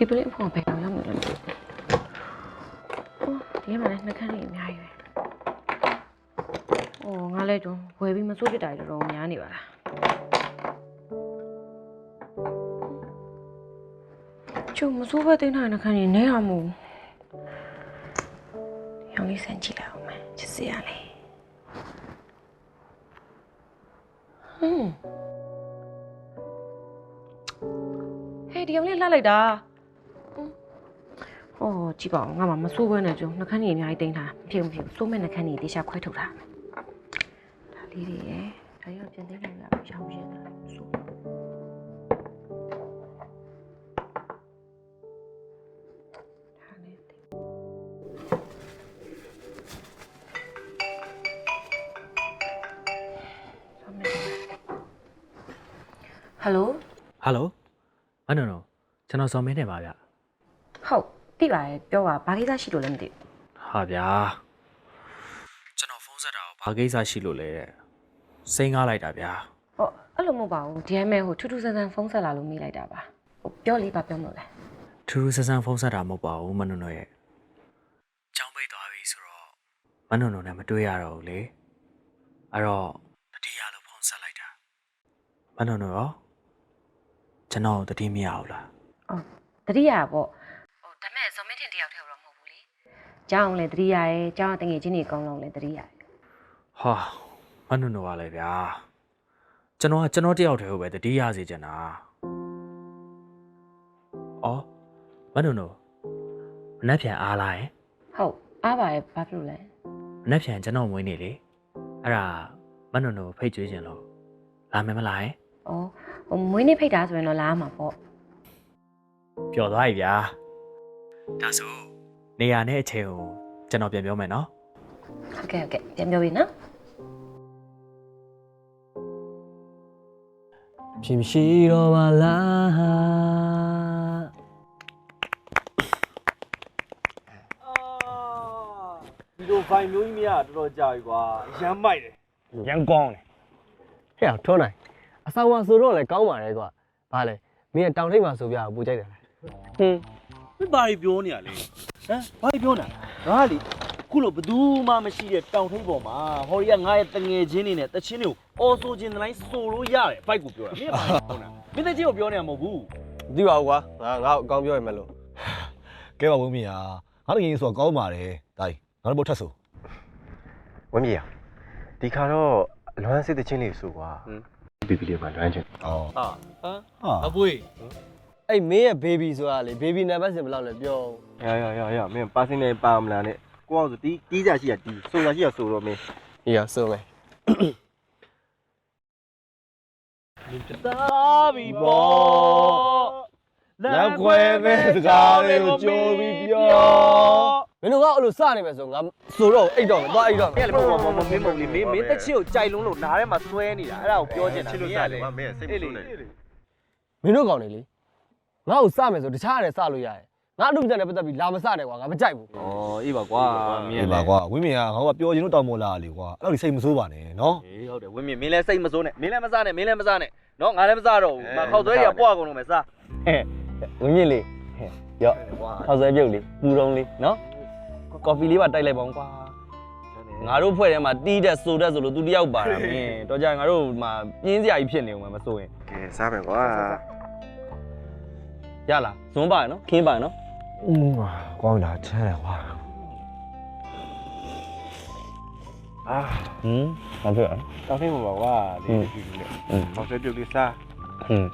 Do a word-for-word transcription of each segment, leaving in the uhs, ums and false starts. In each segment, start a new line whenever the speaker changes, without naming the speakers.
ဒီပလင်းဖုန်းဘယ်တော့ရောက်နေလဲဒီမှာလည်းနှခမ်းလေးအများကြီးပဲ။အော်ငါလည်းတော့ဝယ်ပြီးမစိုးဖြစ်တာတော်တော်များနေပါလား။ကျုံမစိုးဘဲတင်းထားနှခမ်းကြီးနဲရမို့။ရောင်လေးစမ်းကြည့်လိုက်အောင်မယ်။ချစ်စရာလေး။ဟွန်းဟဲ့ဒီရောင်လေးလှလိုက်တာ။哦，几包，我妈妈说过那种，那看你面一顶他，平不平？说明那看你底下块头他。他里里，他要变顶上了，不想不想的，说。他那顶。上面。Hello。
Hello。မနော်နော်ကျွန်တော်စော်မင်းနေပါဗျ
ဟုတ်သိပါတယ်ပြောပါဘာကိစ္စရှိလို့လဲမသိဘူး
ဟာဗျာကျွန်တော်ဖုန်းဆက်တာကိုဘာကိစ္စရှိလို့လဲတဲ့စိတ်ငားလိုက်တာဗျာ
ဟောအဲ့လိုမဟုတ်ပါဘူးဒီအမဲဟိုထူးထူးဆန်းဆန်းဖုန်းဆက်လာလို့မိလိုက်တာပါဟိုပြောလေးပါပြောမလို့လဲ
ထူးထူးဆန်းဆန်းဖုန်းဆက်တာမဟုတ်ပါဘူးမနော်နော်ရဲ့ကြောင်းပိတ်သွားပြီဆိုတော့မနော်နော်နဲ့မတွေ့ရတော့ဘူးလေအဲ့တော့တတိယလို့ဖုန်းဆက်လိုက်တာမနော်နော်ရောကျွန်တော်တတိမရဘူးလား
အော်တတိယပေါ့ဟိုဒါမဲ့ဇော်မင်းထင်တယောက်တည်းတော့မဟုတ်ဘူးလေကျောင်းလည်းတတိယရဲကျောင်းတငယ်ချင်းတွေအကုန်လုံးလည်းတတိယရဲ
ဟာမနော်နော်ပါလေဗျာကျွန်တော်ကကျွန်တော်တယောက်တည်းကိုပဲတတိယစေချင်တာအော်မနော်နော်မနှက်ပြန်အားလာရင်
ဟုတ်အားပါရဲ့ဘာဖြစ်လို့လဲ
မနှက်ပြန်ကျွန်တော်မွေးနေလေအဲ့ဒါမနော်နော်ဖိတ်ကြွေးခြင်းလို့လာမယ်မလားရင်
အော်ဟိုမွေးနေ့ဖိတ်တာဆိုရင်တော့လာမှာပေါ့
ပျော်သွားပြီဗျာဒါဆိုနေရာနဲ့အချိန်ကိုကျွန်တော်ပြန်ပြောမယ်နော်
ဟုတ်ကဲ့ဟုတ်ကဲ့ပြန်ပြောပြီနော်
ဖြစ်ရှိတော့ပါလား
ဒီလိုဖိုင်မျိုးကြီးမရတော်တော်ကြာပြီကွာရမ်းမိုက်တယ်
ရမ်းကောင်းတယ်ဟဲ့ထွန်းနိုင်အဆောင်ဝါဆိုတော့လည်းကောင်းပါလေကွာဘာလဲမင်းတောင်ထိပ်မှာဆိုပြပူကြိုက်တယ်ဟင်း
မင်းဘာတွေပြောနေရလဲဟမ်ဘာတွေပြောနေတာငါလေခုလိုဘသူမှမရှိတဲ့တောင်ထိပ်ပေါ်မှာဟော်ရီကငါရဲ့တငယ်ချင်းတွေနဲ့တချင်းတွေကိုအော်ဆိုခြင်းတိုင်းဆိုလို့ရတယ်ဘိုက်ကိုပြောတာမင်းဘာပြောနေတာမင်းတချင်းကိုပြောနေတာမဟုတ်ဘူး
မသိပါဘူးကွာငါငါ့အကောင်းပြောရမယ်လို့
ကဲပါဝင်းမီယာငါတကယ်ဆိုတော့ကောင်းပါတယ်ဒါကြီးငါတို့ဘုတ်ထက်ဆို
ဝင်းမီယာဒီခါတော့လွမ်းစစ်တဲ့ချင်းလေးဆိုကွာဘီဘီလေးမှာလွမ်းချင်း
ဩဟာ
ဟာအပွေး
အဲ့မင်းရဲ့ baby ဆိုတာလေ baby နံပါတ်စင်ဘယ်လောက်လဲပြော
ရရရရမင်းပါစင်းနေပါမလားနဲ့ကိုအောင်ဆိုတီးတီးကြရှိရတီးဆိုတာရှိရဆိုတော့မင်း
ဟေးရဆိုမယ်
သာဘီဘော
လက်ခွဲပဲစကားလေးကိုကြိုးပြီးပြော
မင်းတို့ကအဲ့လိုစနေမယ်ဆိုငါဆိုတော့အိတ်တော့မယ်သွားအိတ်တော့မယ်
အဲ့လေဘောဘောမင်းမဟုတ်လေမင်းမင်းတက်ချစ်ကိုကြိုက်လုံးလို့နားထဲမှာဆွဲနေတာအဲ့ဒါကိုပြောချင်တာ
ချစ်လို့စားတယ်ကွာမင်းစိတ်မဆိုးနဲ့
မင်းတို့ကောင်းနေလေငါ့ကိုစမယ်ဆိုတခြားရတယ်စလို့ရတယ်ငါအမှုပြန်နဲ့ပတ်သက်ပြီးလာမစတယ်ကွာငါမကြိုက်ဘူး
ဩအေးပါကွာ
မင်းပါကွာဝင်းမင်းကငါကပြောချင်လို့တောင်းမလာလေကွာအဲ့လိုစိတ်မဆိုးပါနဲ့နော်
အေးဟုတ်တယ်ဝင်းမင်းမင်းလည်းစိတ်မဆိုးနဲ့မင်းလည်းမစားနဲ့မင်းလည်းမစားနဲ့နော်ငါလည်းမစားတော့ဘူးမခောက်သွဲတွေကပွားကုန်လို့မယ်စား
ဟဲ့ဝင်းမြင့်လေးဟဲ့ရော့ခောက်ဆွဲပြုတ်လေးပူတုံးလေးနော်ကော်ဖီလေးပါတိုက်လိုက်ပါဦးကွာငါတို့ဖွဲ့ထဲမှာတီးတဲ့ဆိုတဲ့ဆိုလို့သူတယောက်ပါတာမင်းတော့ကြာငါတို့မှာပြင်းစရာကြီးဖြစ်နေဦးမယ်မစိုးရင်
ကဲစားမယ်ကွာ
ရလားဇွန်းပါရနော်ခင်းပါရနော်
อืมကောင်းလာချမ်းတယ်ကွာ
အာ
ဟင်းဘာဖြစ်လဲ
တောင်းထိပ်ပါကွာဒီဒီလေးဟောက်ဆွဲပြုတ်လေးစား
ဟင်း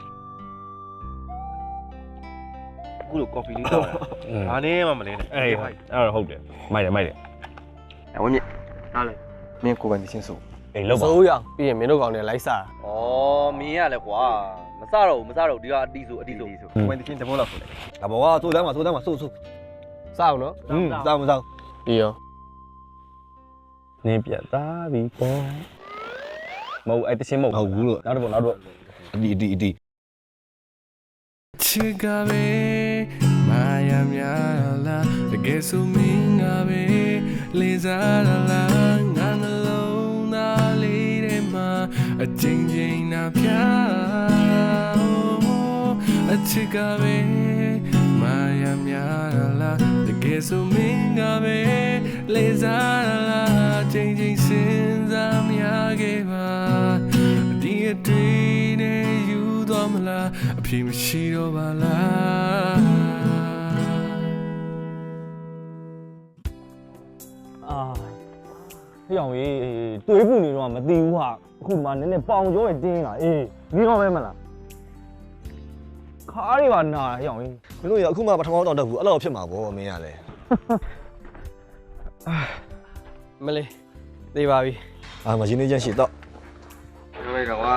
ခုလိုကော်ဖီလေးတောင်းတာဘာနေမှမလဲနဲ့
အေးအဲ့တော့ဟုတ်တယ်မိုက်တယ်မိုက်တယ်
ဝင်းမြင့်ဟာလေမင်းကိုပိုင်ချင်းဆို
အေးလောက်ပါစိုးရပြီးရင်မင်းတို့ကောင်တွေလိုက်စား
ဩမင်းရလဲကွာမစားတော့ဘူးမစားတော့ဒီကအတီးဆိုအတီးဆို
ကိုပိုင်ချင်းတဘောလောက်ဆိုလိုက်
ဒါဘောကစိုးတမ်းမှာစိုးတမ်းမှာစိုးစိုး
စားအောင်နော်
ဟင်းစားမစား
ပြီးရောနင်းပြတ်သားပြီပေါ့မဟုတ်အဲ့တချင်းမဟုတ်
ဟုတ်ဘူးလို့
နောက်တစ်ပုံနောက်တစ်ပုံ
အဒီအဒီအဒီ
ချစ်ကပဲမာယာများလားတကယ်ဆိုမင်းကပဲလေးစားလားငါနှလုံးသားလေးထဲမှာအချင်းချင်းနာပြအချစ်ကပဲမာ ya mia la the get so minga be leza la ching ching sin za mia ge ba di a day ne you do ma la a phi ma shi do ba la
အာဟေ့အောင်ကြီးတွေးဖို့နေတော့မသိဘူးဟာအခုမှနည်းနည်းပေါင်ကြောရတင်းလာအေးဒီတော့ပဲမလားခါးတွေပါနာဟေ့အောင်ကြီး
မင်းတို့ရအခုမှပထမတောင်တက်ဘူးအဲ့လိုဖြစ်မှာဗောမင်းရလဲ
မလေးသေးပါပြီ
အာမရင်းနေချင်းရှိတော့
ပြောလိုက်တော့ကွာ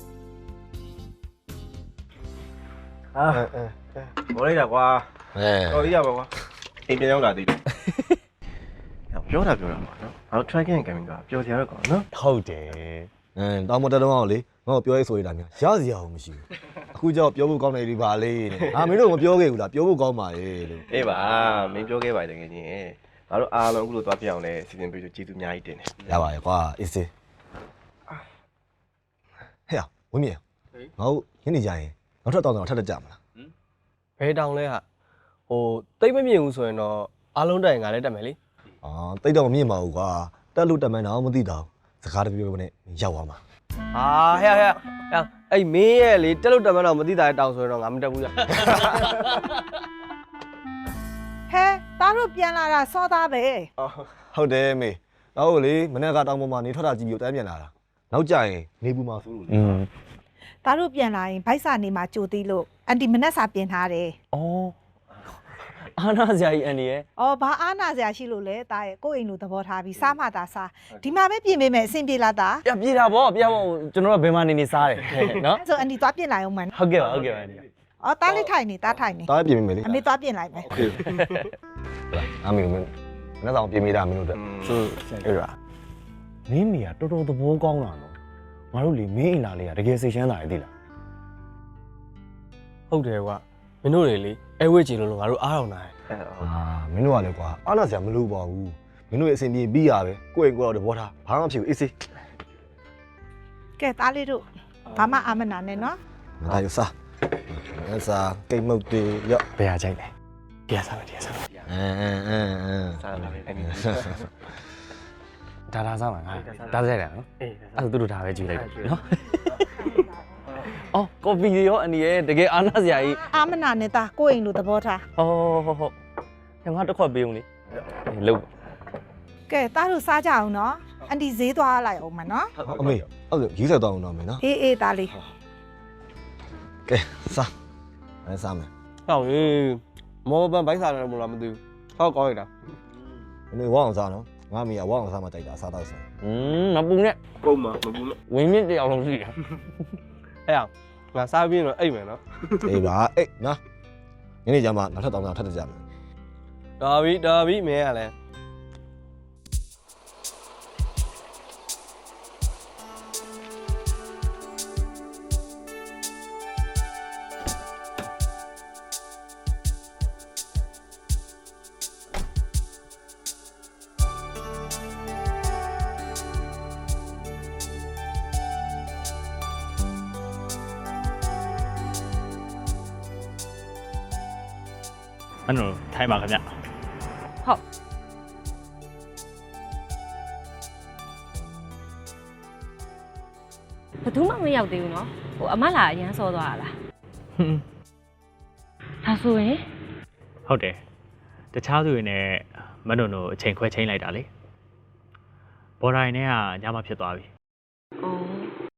အာမော်လိုက်တာကွာ
အဲ
တော်ကြီးရပါကွာအိမ်ပြန်ရောက်လာသေးတယ်ပြောတာပြောတာပါနော်ငါတို့ tracking gaming ကပြောစရာတော့ကောင်းနော်
ဟုတ်တယ်အဲတောင်မတက်တော့အောင်လေငါ့ကိုပြောရေးဆိုရတာများရစရာအောင်မရှိဘူးအခုကြောက်ပြောဖို့ကောင်းတယ်ဒီပါလေးနဲ့အာမင်းတို့မပြောခဲ့ဘူးလားပြောဖို့ကောင်းပါလေလို့
အေးပါမင်းပြောခဲ့ပါတယ်တကယ်ချင်းငါတို့အားလုံးအခုလိုသွားပြအောင်လဲစီစဉ်ပေးလို့ကျေးဇူးအများကြီးတင်တယ်
ရပါရဲ့ကွာအေးစေးဟဲ့ဝင်းမြေငါတို့ညနေကြရင်နောက်ထပ်တောင်းတောင်းထပ်တက်ကြမလား
ဘယ်တောင်လဲဟာဟိုတိတ်မမြင်ဘူးဆိုရင်တော့အားလုံးတိုင်ငါလည်းတက်မယ်လေ
အာတိတ်တော့မမြင်ပါဘူးကွာတက်လို့တက်မှန်းတော့မသိတော့စကားတပြောပြောနဲ့ရောက်သွားမှာ
ဟာဟဲ့ဟဲ့ဟဲ့အဲ့မင်းရဲ့လေတက်လို့တက်မှတော့မသိတာတောင်ဆိုရင်တော့ငါမတက်ဘူးရ
ဟဲသားတို့ပြန်လာတာစောသားပဲ
ဟုတ်တယ်မေနောက်ကိုလေမနေ့ကတောင်ပေါ်မှာနေထွက်တာကြည့်ပြီးတန်းပြန်လာတာနောက်ကြရင်နေပူမှာဆိုလို့လေ
อืม
သားတို့ပြန်လာရင်ဗိုက်စာနေမှာကြိုသေးလို့အန်တီမနက်စာပြင်ထားတယ်
ဩအာနာဇာကြီးအန်ဒီရဲ့
။အော်ဘာအားနာစရာရှိလို့လဲသားရဲ့ကိုယ့်အိမ်လိုသဘောထားပြီးစားမှသာစားဒီမှာပဲပြင်ပေးမယ်အဆင်ပြေလားသား
ပြပြေတာဗောပြဗောကျွန်တော်ကဘယ်မှာနေနေစားတယ်နော်
။အဲ့ဆိုအန်တီသွားပြင်လိုက်အောင်မန်
ဟုတ်ကဲ့ပါဟုတ်ကဲ့ပါအန်ဒီ
။အော်သားလေးထိုင်နေသားထိုင်နေ
တားပြင်မိမယ်လေ
အမေသွားပြင်လိုက်မယ်
โอเคအမေမင်းမနေ့ဆောင်ပြင်မိတာမင်းတို့တက်
ဆိုအဲ့ဒါမင်းမိကတော်တော်သဘောကောင်းတာနော်ငါတို့လေမင်းအိမ်လာလေးကတကယ်စိတ်ချမ်းသာရည်သိလားဟုတ်တယ်ကွာမင်းတို့လေလေအဲဝဲချင်လို့ငါတို့အားအောင်လာတယ်
အာမင်းတို့ကလည်းကွာအားနာစရာမလိုပါဘူးမင်းတို့ရဲ့အဆင်ပြေပြီးရပဲကိုယ့်အိမ်ကိုယ်တော့တဘောထားဘာမှမဖြစ်ဘူးအေးစေး
။ကဲသားလေးတို့ဘာမှအာမနာနဲ့နော်
မသားရစားငါစားကိတ်မုတ်တေရော့
ဘယ်ဟာကြိုက်လဲတရားစားမယ်တရားစားမယ်
အင်းအင်းအင်းအင်း
စားလာပြီအဲ့ဒီ
ဒါဒါစားမှာငါဒါစားရတယ်နော်အေးအဲ့ဒါသူတို့ဒါပဲကြည့်လိုက်တယ်နော်အော်ကော်ဖီရောအန်ဒီရဲ့တကယ်အားနာစရာကြီး
။အာမနာနဲ့သားကိုယ့်အိမ်လိုသဘောထား
ဟောဟောဟောညငါတစ်ခွက်ပေးဦးလေလုတ်
။ကဲသားတို့စားကြအောင်နော်။အန်တီဈေးသွားလိုက်အောင်မနော်
အမေအဲ့ဒါရေးဆက်တော့အောင်တော့မင်းနော်
။အေးအေးသားလေး
ကဲစားအဲစားမယ်
ဟောအေးမောပန်ဘိုက်စားတယ်မလားမသိဘူးဟောကောင်းရတာ
မင်းတို့ဝအောင်စားနော်ငါမေကဝအောင်စားမှတိုက်တာစားတော့စား
อืมမပူနဲ့
ပုံမှာမဘူးလို့
ဝင်းမြင့်တယောက်လုံးရှိတာအဲ့အောင်ငါစားပြီးတော့အိတ်မယ်နော်
အေးပါအေးနော်ညနေကျမှနောက်ထပ်တောင်းတောင်းထပ်တက်ကြမယ်
ဒါပြီဒါပြီမင်းကလည်း
အဲ့လိုထိုင်ပါခင်ဗျ
ဘယ်သူမှမရောက်သေးဘူးနော်ဟိုအမလာအရန်စောသွားတာလား
ဟွန်း
ဒါဆိုရင်
ဟုတ်တယ်တခြားသူတွေနဲ့မနုံတို့အချိန်ခွဲချင်းလိုက်တာလေဘော်ဒိုင်နဲ့ကညမဖြစ်သွားပြီ
အော်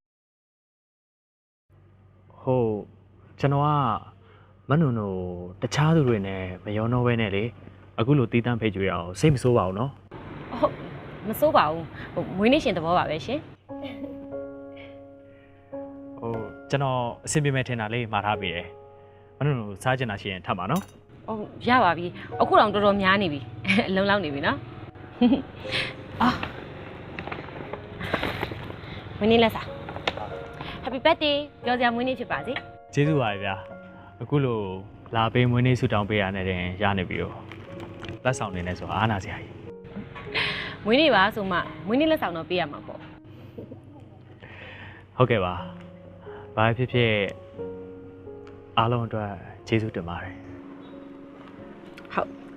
ဟုတ်ကျွန်တော်ကမနုံတို့တခြားသူတွေနဲ့မရောတော့ဘဲနဲ့လေအခုလိုတီးတန်းဖိတ်ကြွေအောင်စိတ်မဆိုးပါဘူးနော်
ဟုတ်မစိုးပါဘူးဟိုမွေးနေ့ရှင်သဘောပါပဲရှင်
ဟုတ်ကျွန်တော်အဆင်ပြေမဲ့ထင်တာလေးမှားထားပြီတယ်မနုံတို့စားချင်တာရှိရင်ထပ်ပါနော်
ဟုတ်ရပါပြီအခုတော့တော်တော်များနေပြီအလုံးလောက်နေပြီနော်အာမွေးနေ့လက်စား Happy birthday ပြောစရာမွေးနေ့ဖြစ်ပါစေ
ကျေးဇူးပါဗျာအခုလိုလာပေးမွေးနေ့ဆုတောင်းပေးရတဲ့တင်ရနေပြီတော့လက်ဆောင်နေနေဆိုအားနာစရာကြီး
မွေးနေ့ပါဆိုမှမွေးနေ့လက်ဆောင်တော့ပေးရမှာပေါ့
ဟုတ်ကဲ့ပါဘာဖြစ်ဖြစ်အားလုံးအတွက်ကျေးဇူးတင်ပါတယ်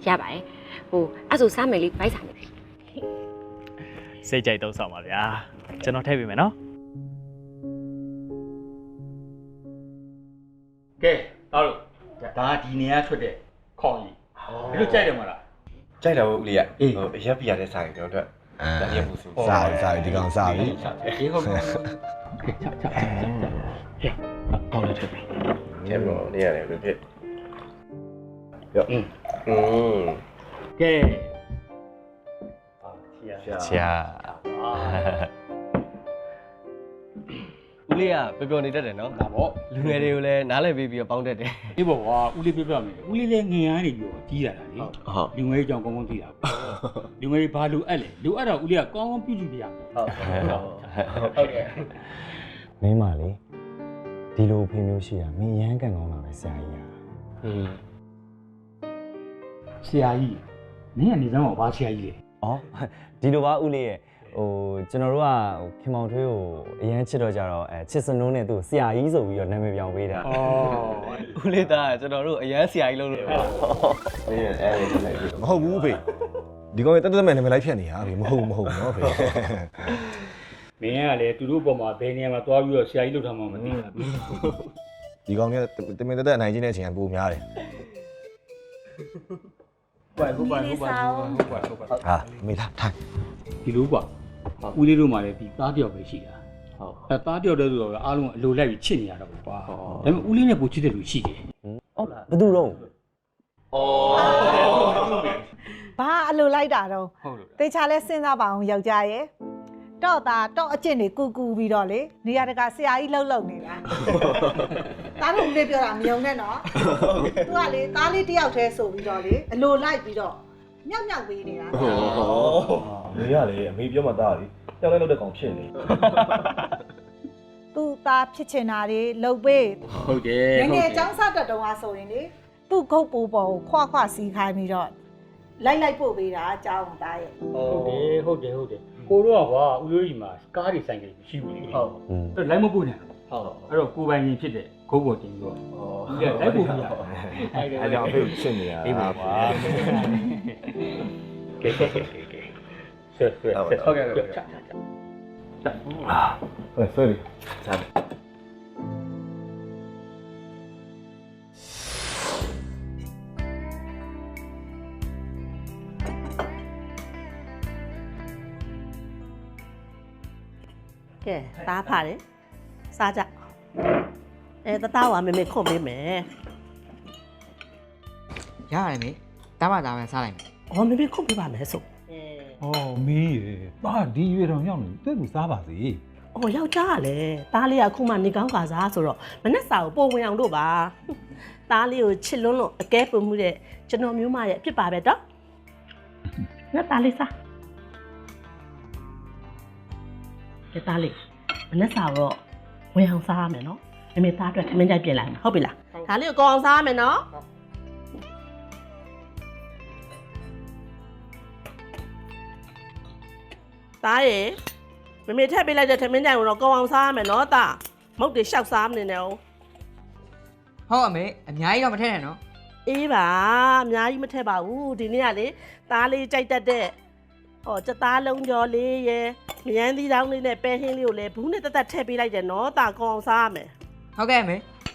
ရပါတယ်ဟိုအဲ့ဆိုစားမယ်လေးဗိုက်စားမယ်ပြီ
စိတ်ကြိုက်တော့ဆောင်ပါဗျာကျွန်တော်ထည့်ပေးမယ်နော်
ကဲတော်လို့ဒါဒီနေရာထွက်တဲ့ခေါင်းကြီးဘယ်လိုကြိုက်တယ်မလား
ကြိုက်တယ်ဦးလေးကဟိုအရက်ပြရတဲ့ဆိုင်ကျွန်တော်တို့ဒါရမှုစု
စားပြီစားပြီဒီကောင်စားပြီ
အေးဟုတ်ကဲ့ချာချာချာဟဲ့ကောင်းလိုက်တယ်
ကျန်တော့နေရတယ်ဘယ်ဖြစ်ရောอืมอืม
ကဲ
ချာဦးလေးကပျော်ပျော်နေတတ်တယ်နော်
ဒါပေါ့
လူငယ်တွေကိုလည်းနားလည်ပေးပြီးတော့ပေါင်းတတ်တယ်
အေးပေါ့ကွာဦးလေးပြပြမယ်ဦးလေးလည်းငင်ရနေပြီးတော့ကြီးရတာလေ
ဟုတ်
လူငယ်ကြောင်ကောင်းကောင်းသိတာပေါ့လူငယ်ဘာလူအပ်လဲလူအပ်တော့ဦးလေးကကောင်းကောင်းပြုစုပြရမယ်ဟုတ်ဟုတ်ကဲ့
မင်းမလေးဒီလိုဖေမျိုးရှိတာမင်းရမ်းကန်ကောင်းတာပဲဆရာကြီးอ่ะ
อืม
ဆရာကြီးနင်းကနေစမ်းပါဘာဆရာကြီးလဲ
ဩဒီလိုပါဦးလေးရဲ့ဟိုကျွန်တော်တို့ကဟိုခင်မောင်ထွေးကိုအရန်ချစ်တော့ကြတော့အဲချစ်စနိုးနဲ့သူ့ဆရာကြီးဆိုပြီးတော့နာမည်ပြောင်းပေးတာ
ဦးလေးသားကျွန်တော်တို့အရန်ဆရာကြီးလို့လို့
အေးအဲ့ဒီလိုက်ပြီ
မဟုတ်ဘူးဖေဒီကောင်ရဲ့တက်တက်မဲ့နာမည်လိုက်ဖြတ်နေတာဖေမဟုတ်ဘူးမဟုတ်ဘူးနော်ဖေ
မင်းကလည်းသူတို့ဘက်မှာဘယ်နေရာမှာသွားပြီးတော့ဆရာကြီးလုပ်ထားမှမသိဘူး
ဒီကောင်เนี่ยတမင်တက်တက်အနိုင်ချင်းတဲ့အချိန်ကပိုများတယ်
ဟုတ်ပါဟုတ်ပါဟုတ်ပါဟုတ်ပါဟုတ်ပါ
ဟာမေးလားထိုင်
ဒီလိုကွာဦးလေးတို့မှလည်းဒီသားတယောက်ပဲရှိတာဟုတ်အဲသားတယောက်တည်းဆိုတော့အားလုံးအလိုလိုက်ပြီးချစ်နေရတာပေါ့ကွာဒါပေမဲ့ဦးလေးနဲ့ပိုချစ်တဲ့လူရှိတယ်
ဩဘယ်သူတော့
ဘာအလိုလိုက်တာတော့
ဟုတ်လို့
တေချာလဲစဉ်းစားပါအောင်ယောက်ျားရဲ့တော့တာတော့အကျင့်တွေကူကူပြီးတော့လေနေရာတကာဆရာကြီးလှုပ်လှုပ်နေတာတားလို့ဦးလေးပြောတာမယုံနဲ့နော်သူကလေတားလေးတယောက်တည်းဆိုပြီးတော့လေအလိုလိုက်ပြီးတော့မြောက်မြောက်ပေးနေတာ
မေရလေအမေပြောမှသားလေကြောက်လိုက်လို့တဲ့ကောင်ဖြစ်နေ
သူသားဖြစ်ချင်တာတွေလှုပ်ပေး
ဟုတ်တယ်
ငယ်ငယ်ចောင်းစားတက်တုံးအားဆိုရင်လေသူ့ဂုတ်ပူပေါ်ကိုခွခွစီးခိုင်းပြီးတော့လိုက်လိုက်ပို့ပေးတာအကြောင်းသားရဲ့
ဟုတ်တယ်ဟုတ်တယ်ဟုတ်တယ်ကိုတို့ကကွာဦးလေးကြီးမှာကားတွေဆိုင်ကလေးမရှိဘူးလေဟုတ်အဲ့လိုက်မပို့နဲ့ဟုတ်အဲ့တော့ကိုပိုင်ရင်ဖြစ်တဲ့ဂုတ်ပေါ်တင်ပြီးတော့ဦးလေးလိုက်ပို့ပြရအဲ့ဒါ
အဲ့ကြောင့်အဖေကိုချစ်နေရ
အေးပါကွာကဲကဲကဲကဲဆက်ဆက်ဟုတ်ကဲ့ဟုတ်ကဲ့
ဟဲ့ဆွဲလေ
ကဲသားဖားတယ်စားကြအဲတသားကမေမေခုတ်ပေးမယ်
ရတယ်မေတားပါသားပဲစားလိုက်မယ်
ဟောမေမေခုတ်ပေးပါမယ်ဆို
哦，没耶，爸，你月亮要你对不啥吧子？
အော်ယောက်ျားကလည်းသားလေးကခုမှနေကောင်းကစားဆိုတော့မနဲ့စာကိုပုံဝင်အောင်တို့ပါသားလေးကိုချစ်လွန်းလို့အကဲပုံမှုတဲ့ကျွန်တော်မျိုးမရဲ့အဖြစ်ပါပဲတော့ငါသားလေးစားကဲသားလေးမနဲ့စာတော့ဝင်အောင်စားရမယ်နော်မေမေသားအတွက်ခမင်းကြိုက်ပြင်လိုက်မယ်ဟုတ်ပြီလားဒါလေးကိုကောင်းအောင်စားရမယ်နော်သားရေမမေထက်ပေးလိုက်တဲ့ထမင်းကြိုင်ကိုတော့ကောင်းအောင်စားရမယ်နော်သားမုတ်တွေရှောက်စားမနေနဲ့哦
ဟုတ်အမေအများကြီးတော့မထည့်နဲ့နော်
အေးပါအများကြီးမထက်ပါဘူးဒီနေ့ကလေသားလေးကြိုက်တတ်တဲ့ဟောစသားလုံးကျော်လေးရယ်မယန်းသီးတောင်းလေးနဲ့ပဲဟင်းလေးကိုလည်းဘူးနဲ့တက်တက်ထည့်ပေးလိုက်တယ်နော်သားကောင်းအောင်စားရမယ်
ဟုတ်ကဲ့အမေ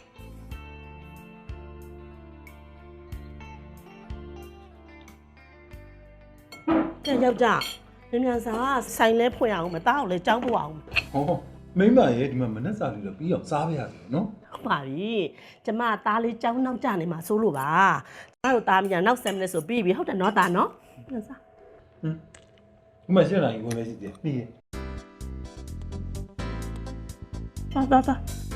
ကြက်ယောက်ျားမြန်မြန်စားဆိုင်လဲဖွင့်အောင်မသားကိုလည်းကြောင်းပို့အောင်
哦，没买耶，你们没那啥的了，比较啥不呀子喏？
ဟုတ်ပါပြီကျမသားလေးကြောင်းနောက်ကျနေမှာစိုးလို့ပါကျမတို့သားမြန်နောက်ဆယ်မိနစ်ဆိုပြီးပြီဟုတ်တယ်နော်သားနော်မြန်စား
嗯，我买现在一个来几点？你。
သွားသွားသွား